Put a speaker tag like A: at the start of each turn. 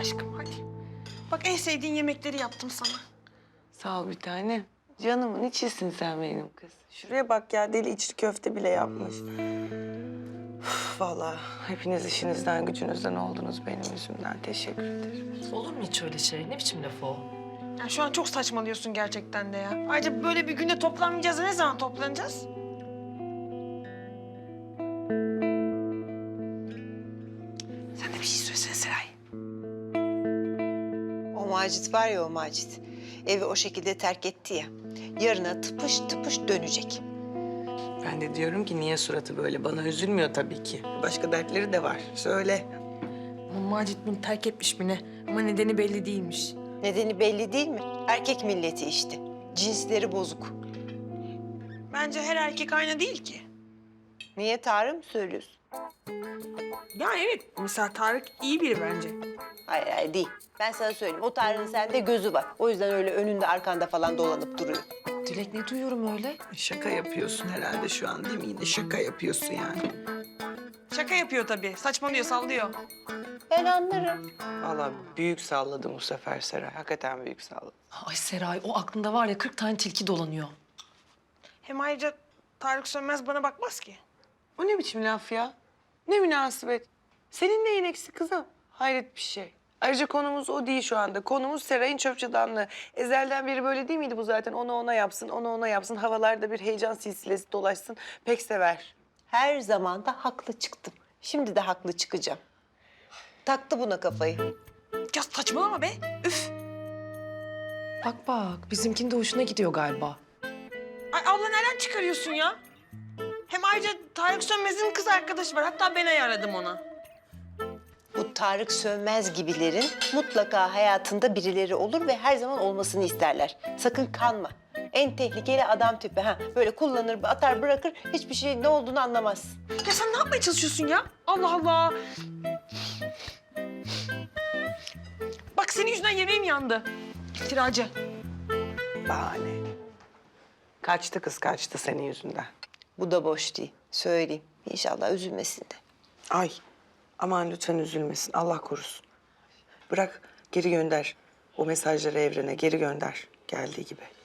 A: aşkım hadi. Bak en sevdiğin yemekleri yaptım sana.
B: Sağ ol bir tane. Canımın içisin sen benim kız. Şuraya bak ya, deli içli köfte bile yapmış. Üf, vallahi hepiniz işinizden gücünüzden oldunuz benim yüzümden. Teşekkür ederim.
C: Olur mu hiç öyle şey? Ne biçim laf o?
A: Ya şu an çok saçmalıyorsun gerçekten de ya. Ayrıca böyle bir günde toplanmayacağız da ne zaman toplanacağız? Sen de bir şey söylesene Seray.
D: O Macit var ya, o Macit. Evi o şekilde terk etti ya. Yarına tıpış tıpış dönecek.
B: Ben de diyorum ki niye suratı böyle? Bana üzülmüyor tabii ki. Başka dertleri de var. Söyle.
A: Ama Macit bunu terk etmiş mi ne? Ama nedeni belli değilmiş.
D: Nedeni belli değil mi? Erkek milleti işte. Cinsleri bozuk.
A: Bence her erkek aynı değil ki.
D: Niye, Tarık mı söylüyorsun?
A: Ya evet, mesela Tarık iyi biri bence.
D: Hayır hayır değil. Ben sana söyleyeyim. O Tarık'ın sende gözü var. O yüzden öyle önünde arkanda falan dolanıp duruyor.
C: Dilek ne duyuyorum öyle?
B: Şaka yapıyorsun herhalde şu an değil mi? Yine şaka yapıyorsun yani.
A: Şaka yapıyor tabii, saçmalıyor, sallıyor.
D: Ben anlarım.
B: Vallahi büyük salladım bu sefer Seray. Hakikaten büyük salladım.
C: Ay Seray, o aklında var ya 40 tane tilki dolanıyor.
A: Hem ayrıca Tarık Sönmez bana bakmaz ki.
B: O ne biçim laf ya? Ne münasebet. Senin neyin eksik kızım? Hayret bir şey. Ayrıca konumuz o değil şu anda. Konumuz Seray'ın çöpçadanlığı. Ezelden beri böyle değil miydi bu zaten? Onu ona yapsın, onu ona yapsın. Havalarda bir heyecan silsilesi dolaşsın. Pek sever.
D: Her zaman da haklı çıktım. Şimdi de haklı çıkacağım. Taktı buna kafayı.
A: Ya saçmalama be, üf.
C: Bak bak, bizimkinin de hoşuna gidiyor galiba.
A: Ay abla nereden çıkarıyorsun ya? Hem ayrıca Tarık Sönmez'in kız arkadaşı var. Hatta ben ayarladım ona.
D: Bu Tarık Sönmez gibilerin mutlaka hayatında birileri olur ve her zaman olmasını isterler. Sakın kanma. En tehlikeli adam tipi. Ha, böyle kullanır, atar, bırakır. Hiçbir şey ne olduğunu anlamaz.
A: Ya sen ne yapmaya çalışıyorsun ya? Allah Allah. Bak senin yüzünden yemeğim yandı. İftiracı.
B: Bahane. Kaçtı kız, kaçtı senin yüzünden.
D: Bu da boş değil. Söyleyeyim. İnşallah üzülmesin de.
B: Ay, aman lütfen üzülmesin. Allah korusun. Bırak, geri gönder. O mesajları evrene geri gönder. Geldiği gibi.